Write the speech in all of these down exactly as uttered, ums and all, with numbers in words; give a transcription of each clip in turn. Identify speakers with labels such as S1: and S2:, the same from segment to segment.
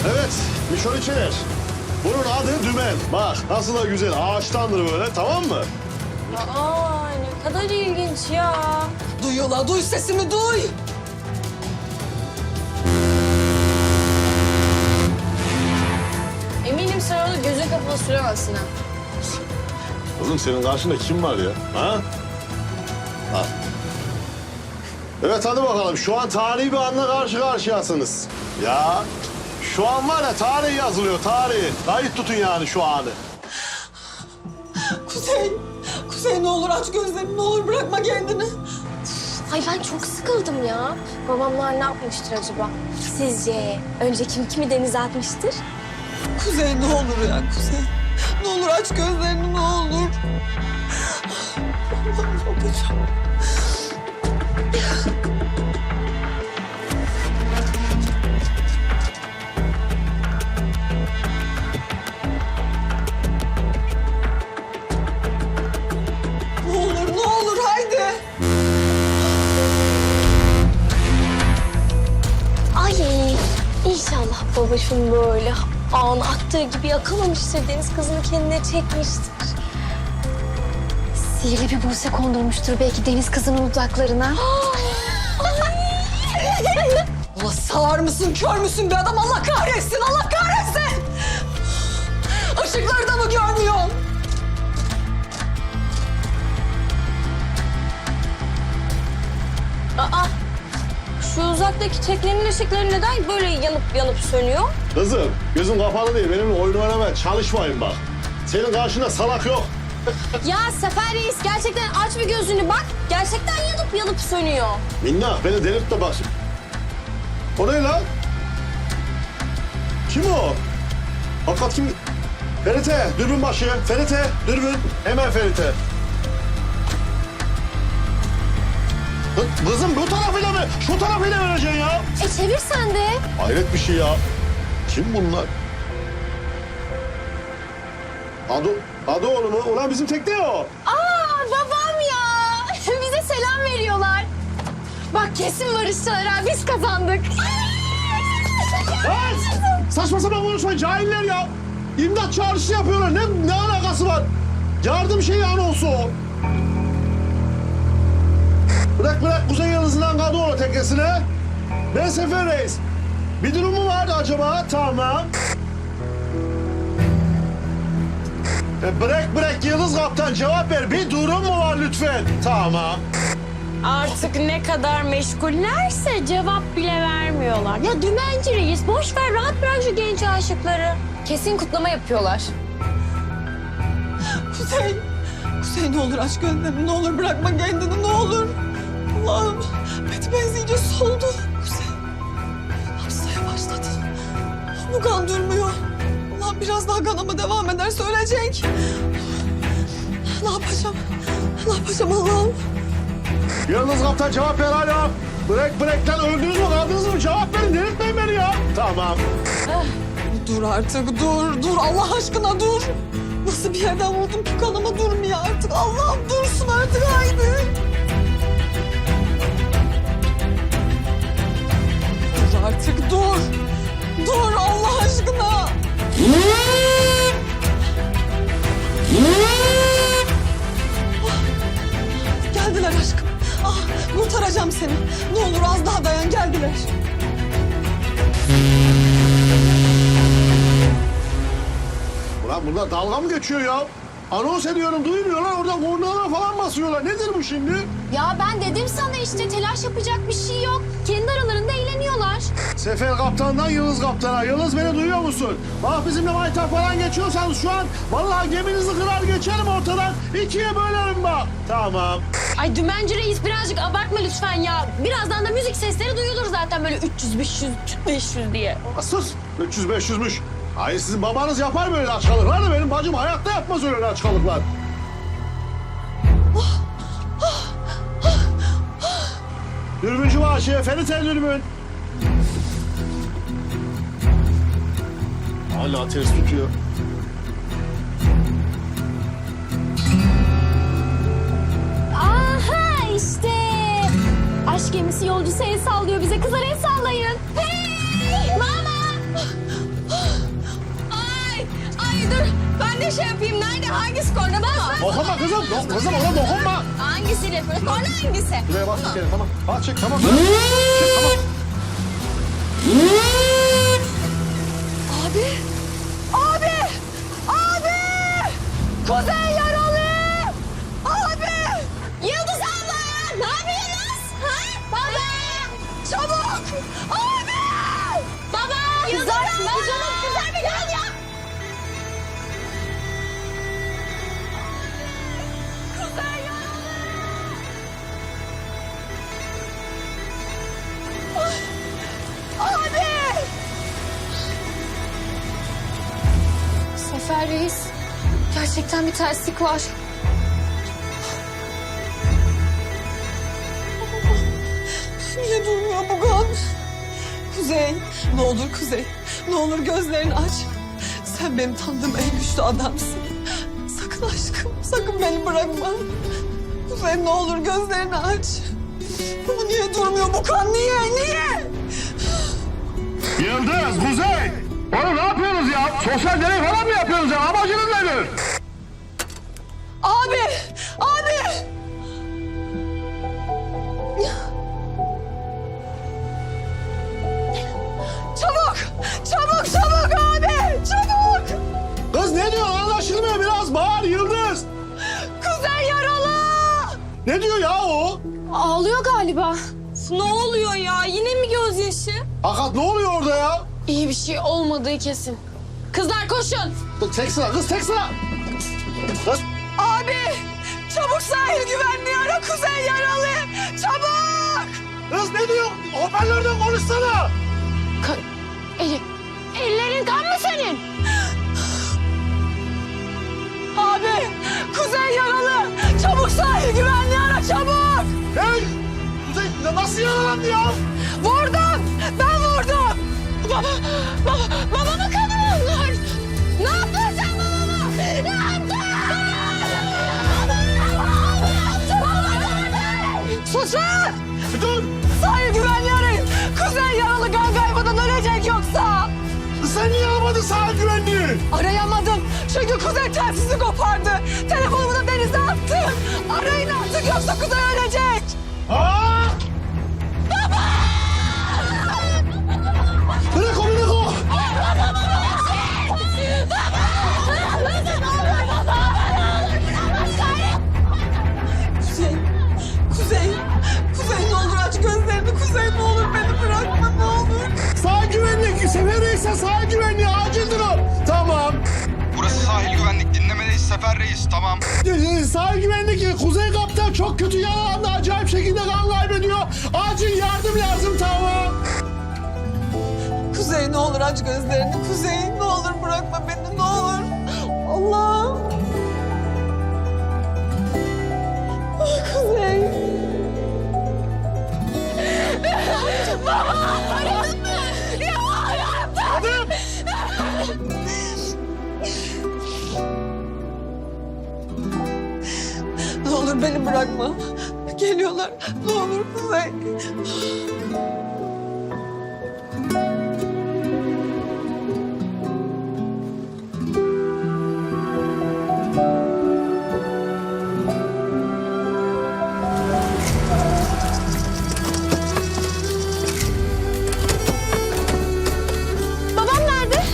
S1: Evet, Mişon İçer. Bunun adı Dümen. Bak nasıl da güzel, ağaçtandır böyle, tamam mı?
S2: Aa, ne kadar ilginç ya.
S3: Duyuyorlar, duy sesimi, duy.
S2: Eminim sen onu gözün kapalı süremezsin ha.
S1: Kızım senin karşında kim var ya? Ha? Ha. Evet hadi bakalım. Şu an tarihi bir anla karşı karşıyasınız. Ya şu an var ya tarih yazılıyor, tarih. Kayıt tutun yani şu anı.
S3: Kuzey, Kuzey ne olur aç gözlerini, ne olur bırakma kendini.
S2: Ay ben çok sıkıldım ya. Babamlar ne yapmıştır acaba? Sizce önce kim kimi denize atmıştır?
S3: Kuzey ne olur ya Kuzey. Ne olur aç gözlerini, ne olur. Allah'ım ne yapacağım? Ne olur, ne olur haydi.
S2: Ay inşallah babacığım böyle ağına attığı gibi yakalamıştır. Deniz kızını kendine çekmiştir. Sihirli bir buse kondurmuştur belki deniz kızının dudaklarına.
S3: Ulan sağır mısın, kör müsün be adam? Allah kahretsin, Allah kahretsin! Işıkları da mı görmüyorsun?
S2: Aa, şu uzaktaki teknenin ışıkları neden böyle yanıp yanıp sönüyor?
S1: Kızım gözün kapalı değil. Benimle oyun oynamaya çalışmayın bak. Senin karşında salak yok.
S2: Ya Sefer Reis gerçekten aç bir gözünü bak. Gerçekten yanıp yanıp sönüyor.
S1: Minnak beni delirtme bak şimdi. O ne lan? Kim o? Hakikat kim? Ferite, dürbün başı. Ferite, dürbün. Hemen Ferite. Kı- Kızım bu tarafıyla mı? Şu tarafıyla vereceksin ya.
S2: E çevir sen de.
S1: Hayret bir şey ya. Kim bunlar? Adı, adı oğlu mu? Ulan bizim tekne o.
S2: Aa babam ya. Bize selam veriyorlar. Bak kesin barışçılar ha. Biz kazandık.
S1: Lan! Saçma sapan konuşma cahiller ya. İmdat çağrısı yapıyorlar. Ne, ne alakası var? Yardım şeyi anonsu o. Bırak bırak Kuzey Yıldızı'ndan Kadıoğlu teknesine. Ben Sefer Reis. Bir durum mu vardı acaba? Tamam. E bırak bırak Yıldız Kaptan cevap ver. Bir durum mu var lütfen? Tamam.
S2: Artık ne kadar meşgullerse cevap bile vermiyorlar. Ya dümenci reis boş ver rahat bırak şu genç aşıkları. Kesin kutlama yapıyorlar.
S3: Kuzey, Kuzey ne olur aç gözlerini, ne olur bırakma kendini, ne olur. Allah'ım, Betmez iyice soldu. Kuzey, hastaya başladı. Bu kan durmuyor. Allah'ım biraz daha kanama devam ederse ölecek. Ne yapacağım? Ne yapacağım Allah'ım?
S1: Yıldız Kaptan cevap ver hala. Bırak bırak lan öldünüz mü kaldınız mı? Cevap verin delirtmeyin beni ya. Tamam.
S3: Dur artık, dur, dur. Allah aşkına dur. Nasıl bir yerden vurdum ki kanama durmuyor artık. Allah'ım dursun artık, haydi. Dur artık, dur. Dur Allah aşkına. Ah, geldiler aşkım. Ah, kurtaracağım seni. Ne olur az daha dayan, geldiler.
S1: Ulan bunlar dalga mı geçiyor ya? Anons ediyorum duymuyorlar oradan kornalara falan basıyorlar. Nedir bu şimdi?
S2: Ya ben dedim sana işte telaş yapacak bir şey yok. Kendi aralarında eğleniyorlar.
S1: Sefer Kaptan'dan Yıldız Kaptan'a. Yıldız beni duyuyor musun? Bak bizimle maytap falan geçiyorsanız şu an vallahi geminizi kırar geçerim ortadan. İkiye bölerim bak. Tamam.
S2: Ay dümenci reis birazcık abartma lütfen ya. Birazdan da müzik sesleri duyulur zaten böyle üç yüz, beş yüz, beş yüz diye.
S1: Sus. üç yüz beş yüzmüş. Hayır sizin babanız yapar böyle açkalıklar da benim bacım hayatta yapmaz öyle açkalıklar. Dürbüncü başı, Ferite dürbün. Hala ters tutuyor.
S2: Aha işte. Aşk gemisi yolcusu el sallıyor bize. Kızlar el sallayın. Hey! Mama! bir şey yapayım. Nerede? Hangisi korna? Bak.
S1: Dokunma kızım. Yok kızım ona dokunma.
S2: Hangisiyle yapıyorsun? Korna hangisi?
S1: Şuraya bak bir kere tamam. Al çek tamam. Çek tamam.
S3: Abi! Abi! Abi! Kuzey yaralı! Abi!
S2: Yıldız abla ya. Ne yapıyorsunuz? Ha? Baba.
S3: Çabuk! Abi!
S2: Baba. Yıldız abla. Kızım kızlar bir gel ya.
S3: Kuzey yaralı! Abi!
S2: Sefer Reis. Gerçekten bir terslik var.
S3: Niye durmuyor bu kan? Kuzey, ne olur Kuzey. Ne olur gözlerini aç. Sen benim tanıdığım en güçlü adamsın. Sakın aşkım, sakın beni bırakma. Kuzey ne olur gözlerini aç. Ama niye durmuyor bu kan? Niye, niye?
S4: Yıldız, Kuzey! Oğlum ne yapıyorsunuz ya? Sosyal deney falan mı yapıyorsunuz ya? Amacınız nedir?
S3: Abi, abi! Çabuk, çabuk, çabuk abi! Çabuk!
S1: Kız ne diyor anlaşılmıyor biraz bağır Yıldız.
S3: Kuzey yaralı!
S1: Ne diyor ya o?
S2: Ağlıyor galiba.
S3: Ne oluyor ya? Yine mi gözyaşı?
S1: Hakikat ne oluyor orada ya?
S2: İyi bir şey olmadığı kesin. Kızlar koşun.
S1: Dur, tek sıra kız tek sıra. Kız
S3: Abi! Çabuk sahil güvenliği ara, Kuzey yaralı! Çabuk!
S1: kız ne diyor? Hoparlörden konuşsana.
S2: Ka Eli. Ellerin kan mı senin?
S3: Abi! Kuzey yaralı! Çabuk sahil güvenliği ara, çabuk!
S1: Hey! Kuzey ya nasıl yaralandı ya?
S3: Vurdum! Ben vurdum!
S2: Baba, baba, babamı kanıyorlar. Ne yaptın sen babama? Ne yaptın?
S3: Susun!
S1: Dur!
S3: Sahil güvenliği arayın! Kuzey yaralı kan kaybından ölecek yoksa!
S1: Sen niye almadın sahil güvenliği?
S3: Arayamadım çünkü Kuzey telsizi kopardı. Telefonumu da denize attım. Arayın artık yoksa Kuzey ölecek.
S1: Ha? Baba! Bırak onu bırak o!
S3: Kuzey, Kuzey, Kuzey ne olur aç gözlerini. Kuzey ne olur beni bırakma ne olur.
S1: Sahil güvenlik! Sefer Reis'e sahil güvenliği acil durum. Tamam.
S5: Burası sahil güvenlik. Dinlemedeyiz Sefer Reis. Tamam.
S1: Ee, Sahil güvenlik Kuzey Kaptan çok kötü yaralandı. Acayip şekilde kan kaybediyor. Acil yardım lazım tamam.
S3: Kuzey ne olur aç gözlerini. Kuzey ne olur bırakma beni ne olur. Allah'ım. Ah, Kuzey. Ne olur beni bırakma. Geliyorlar. Ne olur Kuzey.
S2: Babam nerede?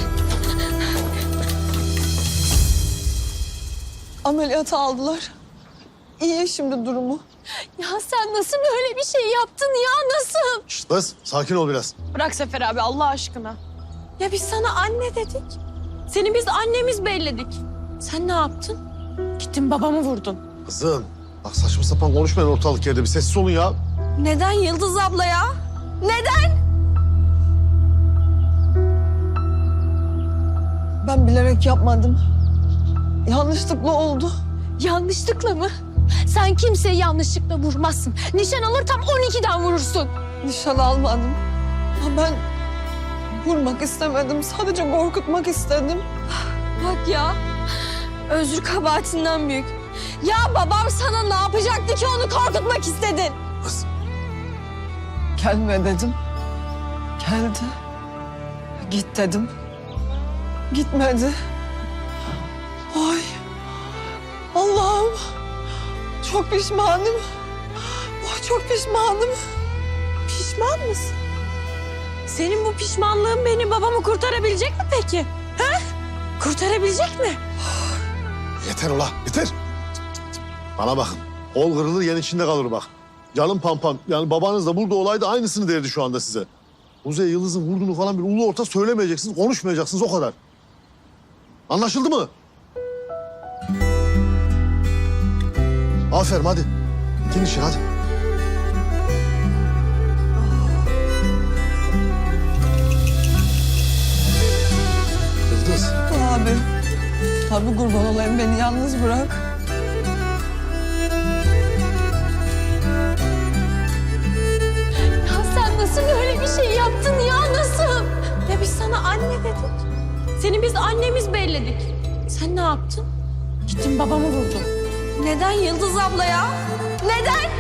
S3: Ameliyata aldılar. İyi şimdi durumu.
S2: Ya sen nasıl böyle bir şey yaptın ya? Nasıl?
S1: Şşt kız sakin ol biraz.
S2: Bırak Sefer abi Allah aşkına. Ya biz sana anne dedik. Seni biz annemiz belledik. Sen ne yaptın? Gittin babamı vurdun.
S1: Kızım bak saçma sapan konuşmayın ortalık yerde bir sessiz olun ya.
S2: Neden Yıldız abla ya? Neden?
S3: Ben bilerek yapmadım. Yanlışlıkla oldu.
S2: Yanlışlıkla mı? Sen kimseyi yanlışlıkla vurmazsın. Nişan alır tam on ikiden vurursun.
S3: Nişan almadım. Ama ben vurmak istemedim. Sadece korkutmak istedim.
S2: Bak ya. Özür kabahatinden büyük. Ya babam sana ne yapacaktı ki onu korkutmak istedin?
S1: Kız
S3: Gelme dedim. Geldi. Git dedim. Gitmedi. Ay Çok pişmanım. Oh, çok pişmanım.
S2: Pişman mısın? Senin bu pişmanlığın beni babamı kurtarabilecek mi peki? Ha? Kurtarabilecek mi?
S1: Yeter ula, yeter. Bana bakın. Kol kırılır, yen içinde kalır bak. Canım pampam. Yani babanız da burada olaydı aynısını derdi şu anda size. Kuzey Yıldız'ın vurduğunu falan bir ulu orta söylemeyeceksiniz, konuşmayacaksınız o kadar. Anlaşıldı mı? Aferin hadi. Gidin işin hadi. Yıldız.
S3: Abi. Abi kurban olayım beni yalnız bırak.
S2: Ya sen nasıl böyle bir şey yaptın ya nasıl? Ya biz sana anne dedik. Seni biz annemiz belledik. Sen ne yaptın? Gittin babamı vurdun. Neden Yıldız abla ya? Neden?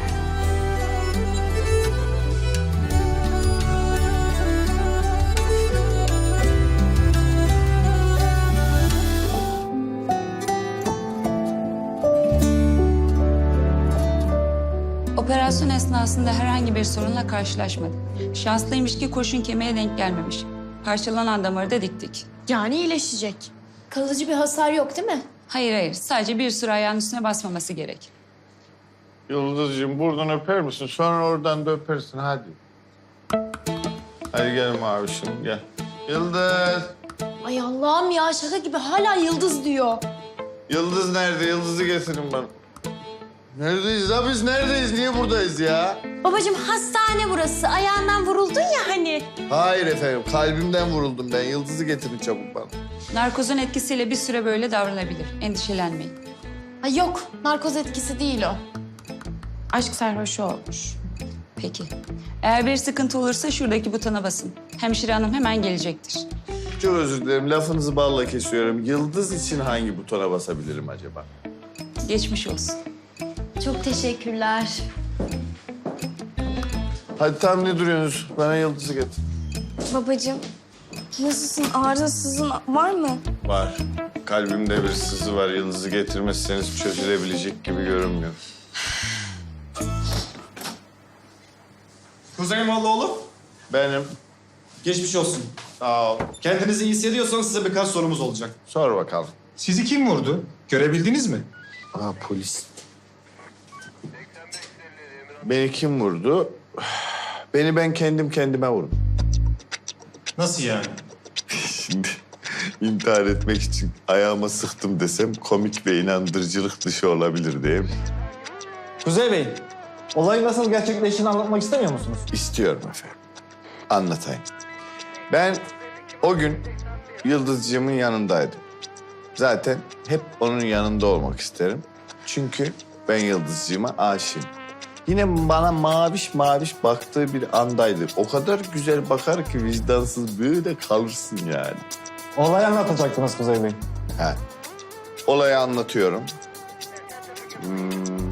S6: Operasyon esnasında herhangi bir sorunla karşılaşmadık. Şanslıymış ki kurşun kemiğe denk gelmemiş. Parçalanan damarı da diktik.
S2: Yani iyileşecek.
S7: Kalıcı bir hasar yok değil mi?
S6: Hayır hayır, sadece bir süre ayağın üstüne basmaması gerek.
S8: Yıldız'cığım buradan öper misin? Sonra oradan da öpersin hadi. Hadi gel mavişim gel. Yıldız.
S7: Ay Allah'ım ya şaka gibi hala yıldız diyor.
S8: Yıldız nerede? Yıldız'ı getirin bana. Neredeyiz ya biz neredeyiz? Niye buradayız ya?
S2: Babacığım hastane burası. Ayağından vuruldun ya hani.
S8: Hayır efendim kalbimden vuruldum ben. Yıldız'ı getirin çabuk bana.
S6: Narkozun etkisiyle bir süre böyle davranabilir. Endişelenmeyin.
S7: Ay yok narkoz etkisi değil o.
S2: Aşk sarhoşu olmuş.
S6: Peki. Eğer bir sıkıntı olursa şuradaki butona basın. Hemşire hanım hemen gelecektir.
S8: Çok özür dilerim lafınızı balla kesiyorum. Yıldız için hangi butona basabilirim acaba?
S6: Geçmiş olsun.
S7: Çok teşekkürler.
S8: Hadi tam ne duruyorsunuz? Bana Yıldız'ı getir.
S7: Babacığım nasılsın ağrı sızın var mı?
S8: Var. Kalbimde bir sızı var. Yıldız'ı getirmezseniz çözülebilecek gibi görünmüyor.
S9: Kuzey Mollaoğlu,
S8: Benim.
S9: geçmiş olsun.
S8: Sağ ol.
S9: Kendinizi iyi hissediyorsanız size birkaç sorumuz olacak.
S8: Sor bakalım.
S9: Sizi kim vurdu? Görebildiniz mi?
S8: Aa polis. Beni kim vurdu? Beni ben kendim kendime vurdum.
S9: Nasıl yani?
S8: Şimdi intihar etmek için ayağıma sıktım desem komik ve inandırıcılık dışı olabilir değil mi?
S10: Kuzey Bey, olayın nasıl gerçekleştiğini anlatmak istemiyor musunuz?
S8: İstiyorum efendim. Anlatayım. Ben o gün Yıldızcığımın yanındaydım. Zaten hep onun yanında olmak isterim. Çünkü ben Yıldızcığıma aşığım. Yine bana maviş maviş baktığı bir andaydı. O kadar güzel bakar ki vicdansız böyle kalırsın yani.
S10: Olayı anlatacaktınız Kuzey Bey.
S8: Ha. Olayı anlatıyorum. Hmm.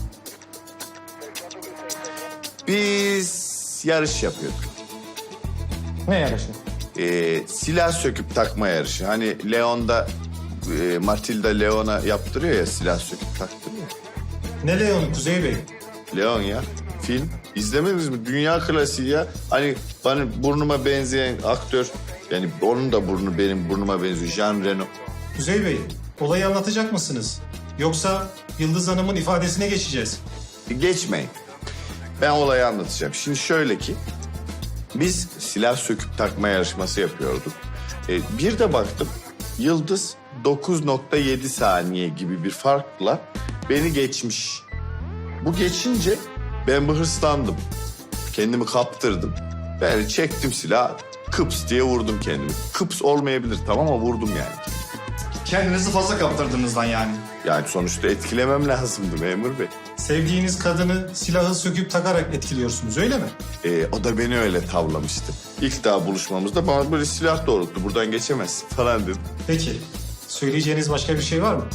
S8: Biz yarış yapıyorduk.
S10: Ne yarışı?
S8: Ee, silah söküp takma yarışı. Hani Leon'da e, Matilda Leon'a yaptırıyor ya silah söküp taktırıyor.
S9: Ne Leon Kuzey Bey?
S8: Leon ya film. İzlemediniz mi? Dünya klasiği ya. Hani bana burnuma benzeyen aktör. Yani onun da burnu benim burnuma benziyor. Jean Reno.
S9: Kuzey Bey, olayı anlatacak mısınız? Yoksa Yıldız Hanım'ın ifadesine geçeceğiz.
S8: Geçmeyin. Ben olayı anlatacağım. Şimdi şöyle ki biz silah söküp takma yarışması yapıyorduk. Ee, bir de baktım Yıldız dokuz nokta yedi saniye gibi bir farkla beni geçmiş. Bu geçince ben bir hırslandım. Kendimi kaptırdım. Ben çektim silahı. Kıps diye vurdum kendimi. Kıps olmayabilir tamam ama vurdum yani.
S9: Kendinizi fazla kaptırdığınızdan yani.
S8: Yani sonuçta etkilemem lazımdı memur bey.
S9: Sevdiğiniz kadını silahı söküp takarak etkiliyorsunuz öyle mi?
S8: Ee, o da beni öyle tavlamıştı. İlk daha buluşmamızda bana böyle silah doğrulttu. Buradan geçemezsin falan dedi.
S9: Peki, söyleyeceğiniz başka bir şey var mı?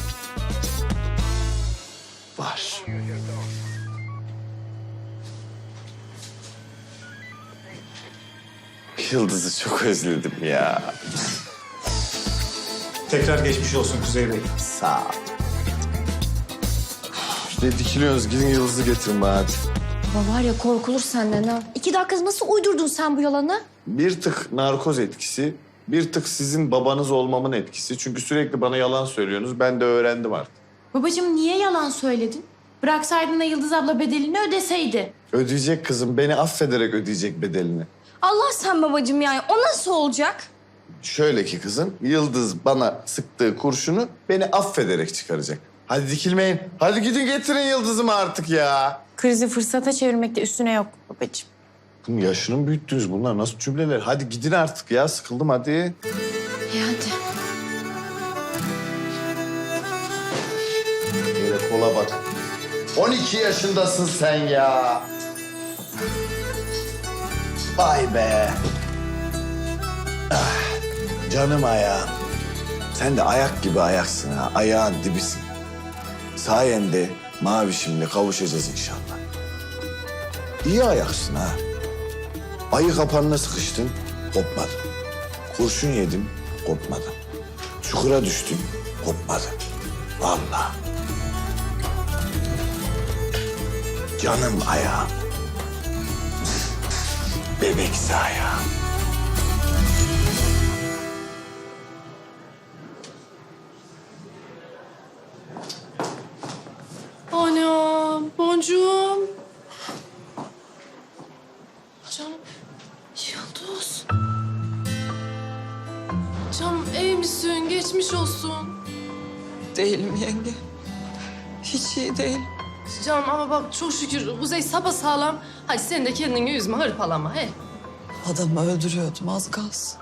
S8: Var. Yıldız'ı çok özledim ya.
S9: Tekrar geçmiş olsun Kuzey Bey.
S8: Sağ ol. Ne dikiliyorsunuz? Gidin Yıldız'ı getirin bana hadi.
S7: Baba var ya korkulur senden ha. İki dakika nasıl uydurdun sen bu yalanı?
S8: Bir tık narkoz etkisi, bir tık sizin babanız olmamın etkisi. Çünkü sürekli bana yalan söylüyorsunuz. Ben de öğrendim artık.
S2: Babacığım niye yalan söyledin? Bıraksaydın da Yıldız abla bedelini ödeseydi.
S8: Ödeyecek kızım. Beni affederek ödeyecek bedelini.
S7: Allah sen babacığım yani. O nasıl olacak?
S8: Şöyle ki kızım, Yıldız bana sıktığı kurşunu beni affederek çıkaracak. Hadi dikilmeyin. Hadi gidin getirin Yıldız'ımı artık ya.
S2: Krizi fırsata çevirmekte üstüne yok babacığım.
S8: Bunun yaşını mı büyüttünüz? Bunlar nasıl cümleler? Hadi gidin artık ya. Sıkıldım hadi.
S7: İyi hadi.
S8: Böyle kola bak. on iki yaşındasın sen ya. Vay be. Ah, canım ayağım. Sen de ayak gibi ayaksın ha. Ayağın dibisin. Sayende mavişimle kavuşacağız inşallah. İyi ayaksın ha. Ayı kapanına sıkıştın, kopmadın. Kurşun yedim, kopmadım. Çukura düştüm, kopmadım. Vallahi. Canım ayağım. Bebeksi ayağım.
S3: Anam, boncuğum. Canım, Yıldız. Canım iyi misin? Geçmiş olsun.
S11: Değilim yenge. Hiç iyi değil.
S3: Canım ama bak çok şükür Kuzey sapasağlam. Hadi sen de kendini üzme, hırpalama he.
S11: Adamı öldürüyordum az kalsın.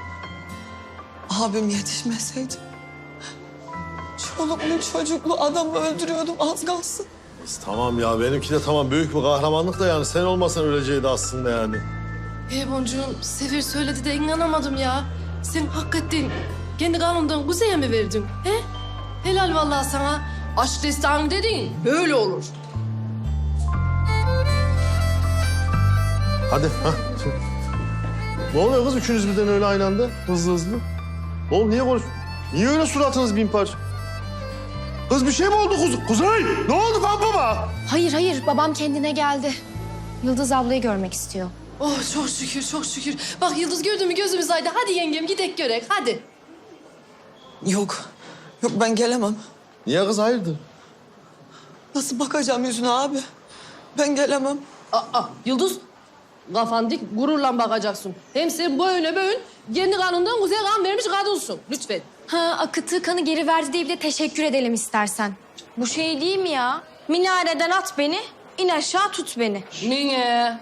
S11: Abim yetişmeseydi. Çoluklu çocuklu adamı öldürüyordum az kalsın.
S1: Tamam ya benimki de tamam büyük bir kahramanlık da yani sen olmasan öleceğiydi aslında yani.
S3: He boncuğum, Sefer söyledi de inanamadım ya. Sen hakikaten kendi kanundan Kuzey'e mi verdin? He? Helal vallahi sana. Aşk destanı dediğin böyle olur.
S1: Hadi ha. Ne oluyor kız üçünüz birden öyle aynı anda hızlı hızlı? Oğlum niye konuş? Niye öyle suratınız bin parça? Kız bir şey mi oldu Kuzey? Kuzey ne oldu baba?
S7: Hayır hayır babam kendine geldi. Yıldız ablayı görmek istiyor.
S3: Oh çok şükür, çok şükür. Bak Yıldız gördün mü gözümüz aydın. Hadi yengem gidek görek, hadi.
S11: Yok. Yok ben gelemem.
S1: Niye kız hayırdır?
S11: Nasıl bakacağım yüzüne abi? Ben gelemem.
S3: Aa, Yıldız, kafan dik, gururla bakacaksın. Hem sen böyle böyle kendi kanından Kuzey'e kan vermiş kadınsın. Lütfen.
S7: Ha akıttığı kanı geri verdi diye bir de teşekkür edelim istersen. Bu şey değil mi ya? Minareden at beni, in aşağı tut beni.
S3: Niye?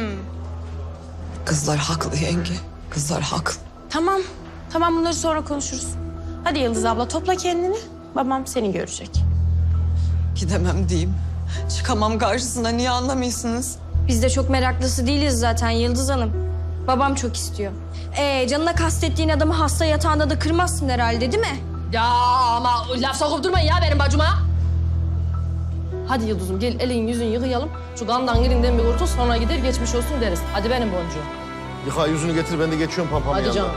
S11: Kızlar haklı yenge. Kızlar haklı.
S2: Tamam. Tamam bunları sonra konuşuruz. Hadi Yıldız abla topla kendini. Babam seni görecek.
S11: Gidemem diyeyim. Çıkamam karşısına. Niye anlamıyorsunuz?
S7: Biz de çok meraklısı değiliz zaten Yıldız Hanım. Babam çok istiyor. Ee, canına kastettiğin adamı hasta yatağında da kırmazsın herhalde değil mi?
S3: Ya ama laf sokup durmayın ya benim bacıma. Hadi Yıldız'ım gel elin yüzünü yıkayalım. Şu kandan girinden bir kurtul sonra gider geçmiş olsun deriz. Hadi benim boncuğum.
S1: Yıka yüzünü getir ben de geçiyorum pampamın
S3: Hadi
S1: yanına.
S3: canım.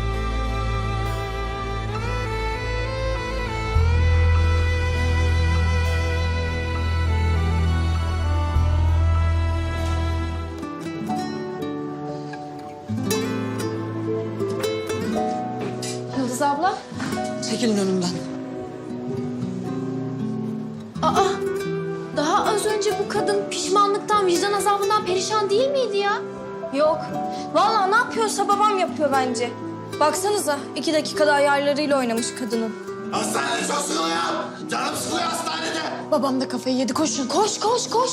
S7: Yıldız abla.
S11: Çekilin önümden.
S7: Aa, daha az önce bu kadın pişmanlıktan, vicdan azabından perişan değil miydi ya? Yok. Vallahi ne yapıyorsa babam yapıyor bence. Baksanıza iki dakikada ayarlarıyla oynamış kadının.
S8: Hastanede çok sıkılıyor. Canım sıkılıyor hastanede.
S7: Babam da kafayı yedi. Koşun, koş, koş, koş.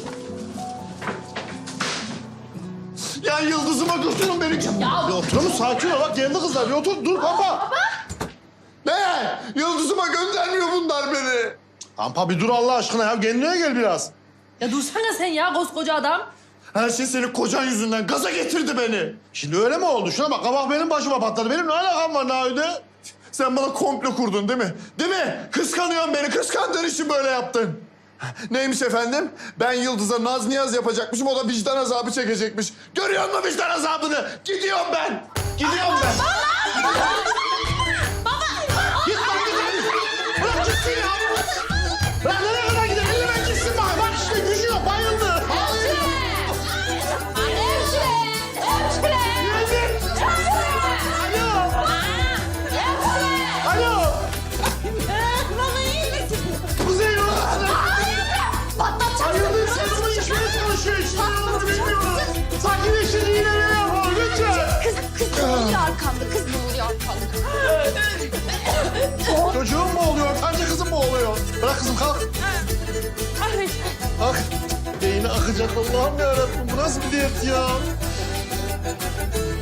S8: Ya Yıldız'ıma götürün beni.
S1: Bir oturur musun? Sakin ol bak geldi kızlar bir otur dur pampa.
S8: Ne? Yıldız'ıma göndermiyor bunlar beni.
S1: Pampa bir dur Allah aşkına ya kendine gel biraz.
S3: Ya dursana sen ya koskoca adam.
S1: Her şey senin kocan yüzünden gaza getirdi beni. Şimdi öyle mi oldu? Şuna bak kabak benim başıma patladı. Benim ne alakam var Nahide?
S8: Sen bana komplo kurdun değil mi? Değil mi? Kıskanıyorsun beni. Kıskandığın için böyle yaptın. Neymiş efendim? Ben Yıldız'a naz niyaz yapacakmışım. O da vicdan azabı çekecekmiş. Görüyor musun vicdan azabını? Gidiyorum ben. Gidiyorum ben.
S1: Git lan git hadi. Bırak gitsin ya. Bırak nereye kadar gidelim? kızım kalk. Kalk. Beyni akacak Allah'ım yarabbim. Bu nasıl bir dert ya?